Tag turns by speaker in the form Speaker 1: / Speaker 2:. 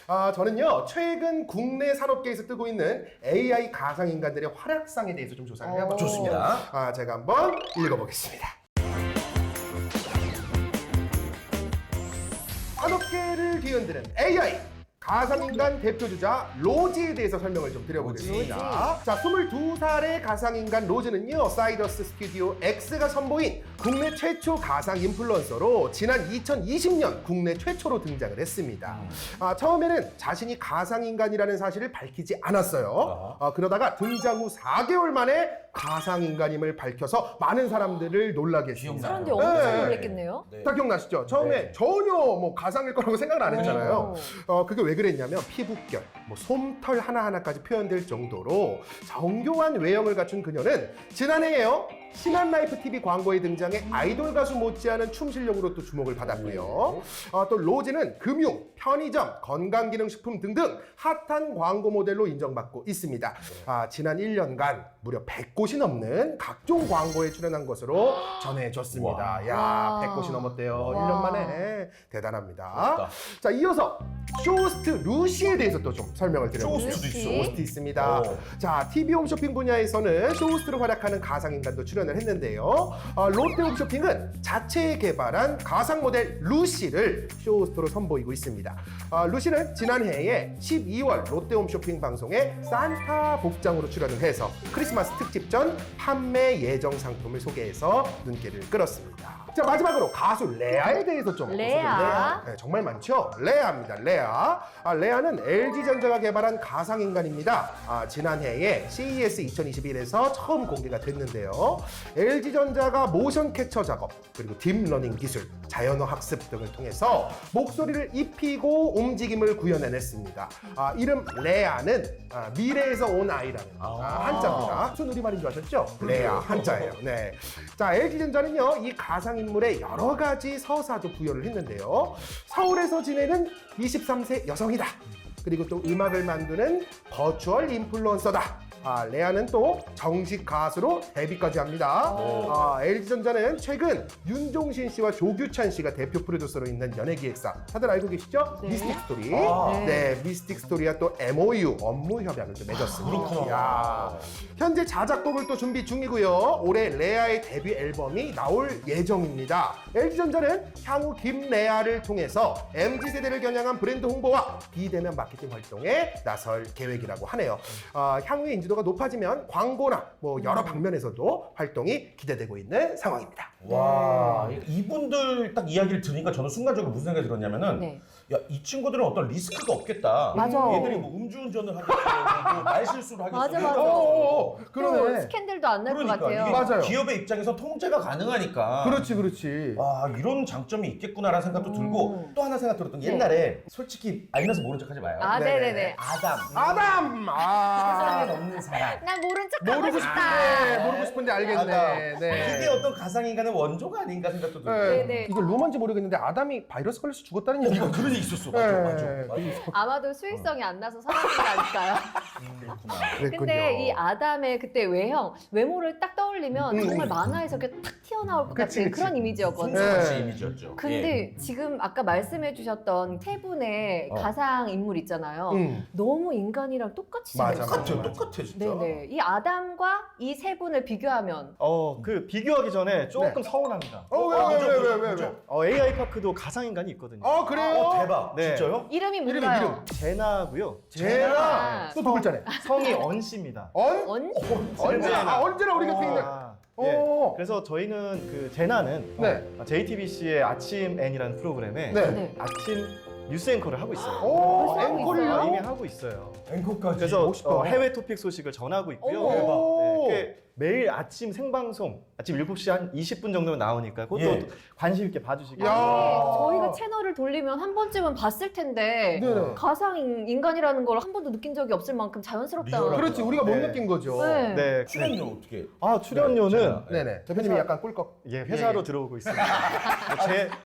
Speaker 1: 저는요, 최근 국내 산업계에서 뜨고 있는 AI 가상인간들의 활약상에 대해서 좀 조사를 해봤거든요.
Speaker 2: 좋습니다.
Speaker 1: 제가 한번 읽어보겠습니다. 산업계를 뒤흔드는 AI 가상인간 대표주자 로지에 대해서 설명을 좀 드려보겠습니다. 자, 22살의 가상인간 로즈는요, 사이더스 스튜디오 X가 선보인 국내 최초 가상 인플루언서로 지난 2020년 국내 최초로 등장을 했습니다. 처음에는 자신이 가상인간이라는 사실을 밝히지 않았어요. 그러다가 등장 후 4개월 만에 가상인간임을 밝혀서 많은 사람들을 놀라게 했습니다.
Speaker 3: 사람들이 엄청 놀랬겠네요.
Speaker 1: 다 기억나시죠? 처음에 전혀 뭐 가상일 거라고 생각을 안 했잖아요. 그게 왜 그랬냐면 피부결, 뭐 솜털 하나하나까지 표현될 정도로 정교한 외형을 갖춘 그녀는 지난해에요. 신한라이프 TV 광고에 등장해 아이돌 가수 못지않은 춤 실력으로 또 주목을 받았고요. 또 로지는 금융, 편의점, 건강기능식품 등등 핫한 광고 모델로 인정받고 있습니다. 지난 1년간 무려 100곳이 넘는 각종 광고에 출연한 것으로 전해졌습니다. 야, 100곳이 넘었대요. 1년 만에. 대단합니다.
Speaker 2: 부럽다.
Speaker 1: 자, 이어서 쇼호스트 루시에 대해서 또 좀 설명을 드려볼게요.
Speaker 2: 쇼호스트도 있어?
Speaker 1: 쇼호스트 있습니다. 자, TV 홈쇼핑 분야에서는 쇼호스트로 활약하는 가상인간도 출연을 했는데요. 롯데 홈쇼핑은 자체 개발한 가상 모델 루시를 쇼호스트로 선보이고 있습니다. 루시는 지난해에 12월 롯데 홈쇼핑 방송에 산타 복장으로 출연을 해서 크리스마스 특집 전 판매 예정 상품을 소개해서 눈길을 끌었습니다. 자, 마지막으로 가수 레아에 대해서 좀
Speaker 3: 레아.
Speaker 1: 네, 정말 많죠? 레아입니다. 레아. 레아는 LG전자가 개발한 가상인간입니다. 지난해에 CES 2021에서 처음 공개가 됐는데요. LG전자가 모션 캡처 작업, 그리고 딥러닝 기술, 자연어 학습 등을 통해서 목소리를 입히고 움직임을 구현해냈습니다. 이름 레아는 미래에서 온 아이라는 한자입니다. 무슨 우리말인 줄 아셨죠? 레아 한자예요. 네. 자, LG전자는요, 이 가상인물에 여러 가지 서사도 부여를 했는데요. 서울에서 지내는 23세 여성이다. 그리고 또 음악을 만드는 버추얼 인플루언서다. 레아는 또 정식 가수로 데뷔까지 합니다. LG전자는 최근 윤종신 씨와 조규찬 씨가 대표 프로듀서로 있는 연예기획사, 다들 알고 계시죠?
Speaker 3: 네.
Speaker 1: 미스틱 스토리. 네, 미스틱 스토리와 또 MOU, 업무 협약을 또 맺었습니다. 야, 현재 자작곡을 또 준비 중이고요. 올해 레아의 데뷔 앨범이 나올 예정입니다. LG전자는 향후 김레아를 통해서 MZ세대를 겨냥한 브랜드 홍보와 비대면 마케팅 활동에 나설 계획이라고 하네요. 향후에 인지도가 높아지면 광고나 뭐 여러 방면에서도 활동이 기대되고 있는 상황입니다.
Speaker 2: 와, 이분들 딱 이야기를 들으니까 저는 순간적으로 무슨 생각이 들었냐면은
Speaker 3: 네.
Speaker 2: 야, 이 친구들은 어떤 리스크가 없겠다.
Speaker 3: 맞아.
Speaker 2: 얘들이 뭐 음주운전을 하겠어, 뭐 말실수를 하겠어.
Speaker 3: 맞아,
Speaker 2: 그러니까
Speaker 3: 맞아. 또
Speaker 1: 그러네.
Speaker 3: 스캔들도 안 날 것
Speaker 2: 그러니까
Speaker 3: 같아요.
Speaker 2: 이게
Speaker 1: 맞아요.
Speaker 2: 기업의 입장에서 통제가 가능하니까.
Speaker 1: 그렇지.
Speaker 2: 와, 이런 장점이 있겠구나라는 생각도 들고 또 하나 생각 들었던 게 옛날에 솔직히 알면서 모른 척하지 마요.
Speaker 1: 네.
Speaker 3: 네네네.
Speaker 2: 아담. 세상에 없는 사람.
Speaker 3: 난 모른 척 하고
Speaker 1: 모르고
Speaker 3: 싶다.
Speaker 1: 싶은데, 모르고 싶은데 알겠네. 네.
Speaker 2: 그게 어떤 가상인간의 원조가 아닌가 생각도 들고.
Speaker 3: 네네.
Speaker 1: 이걸 루머인지 모르겠는데 아담이 바이러스 걸려서 죽었다는 얘기가
Speaker 2: 그런 얘기 있었어. 맞아.
Speaker 3: 아마도 수익성이 안 나서 사라진 거 아닐까요?
Speaker 2: 그렇구나.
Speaker 1: 그랬군요.
Speaker 3: 근데 이 아담의 그때 외모를 딱 떠올리면 정말 만화에서 이렇게 탁 튀어나올 것 같은 그런 이미지였거든요.
Speaker 2: 송수같이
Speaker 1: 네.
Speaker 2: 이미지였죠.
Speaker 3: 근데 지금 아까 말씀해 주셨던 세 분의 가상 인물 있잖아요.
Speaker 1: 음.
Speaker 3: 너무 인간이랑 똑같이
Speaker 1: 맞아,
Speaker 3: 생겼어요.
Speaker 2: 똑같아 진짜.
Speaker 3: 네네. 이 아담과 이 세 분을 비교하면
Speaker 4: 그 비교하기 전에 조금 서운합니다.
Speaker 1: 왜?
Speaker 4: AI 파크도 가상인간이 있거든요.
Speaker 1: 그래요?
Speaker 2: 대박.
Speaker 4: 네.
Speaker 2: 진짜요?
Speaker 3: 이름이 뭔가요?
Speaker 4: 제나고요.
Speaker 1: 제나. 또 누굴 짜네?
Speaker 4: 성이 언 씨입니다.
Speaker 1: 언제나 우리 곁에 있는.
Speaker 4: 예.
Speaker 1: 오.
Speaker 4: 그래서 저희는 그 제나는
Speaker 1: 네.
Speaker 4: JTBC의 아침 N이라는 프로그램에
Speaker 1: 네.
Speaker 3: 네.
Speaker 4: 아침 뉴스 앵커를 하고 있어요.
Speaker 1: 오,
Speaker 3: 벌써 하고
Speaker 1: 앵콜이요?
Speaker 4: 이미 하고 있어요.
Speaker 2: 앵커까지.
Speaker 4: 그래서
Speaker 1: 멋있다.
Speaker 4: 해외 토픽 소식을 전하고 있고요.
Speaker 1: 오.
Speaker 4: 네, 매일 아침 생방송 아침 7시 한 20분 정도면 나오니까 그것도
Speaker 2: 예.
Speaker 4: 관심 있게 봐주시기
Speaker 1: 야.
Speaker 4: 바랍니다.
Speaker 3: 저희가 채널을 돌리면 한 번쯤은 봤을 텐데
Speaker 1: 네.
Speaker 3: 가상 인간이라는 걸 한 번도 느낀 적이 없을 만큼 자연스럽다.
Speaker 2: 리얼하다.
Speaker 1: 그렇지, 우리가 못
Speaker 4: 네.
Speaker 1: 느낀 거죠.
Speaker 3: 네.
Speaker 4: 네,
Speaker 2: 출연료 어떻게?
Speaker 4: 출연료는
Speaker 2: 제가-
Speaker 1: 네네. 대표님이 약간 꿀꺽.
Speaker 4: 회사로 들어오고 있습니다.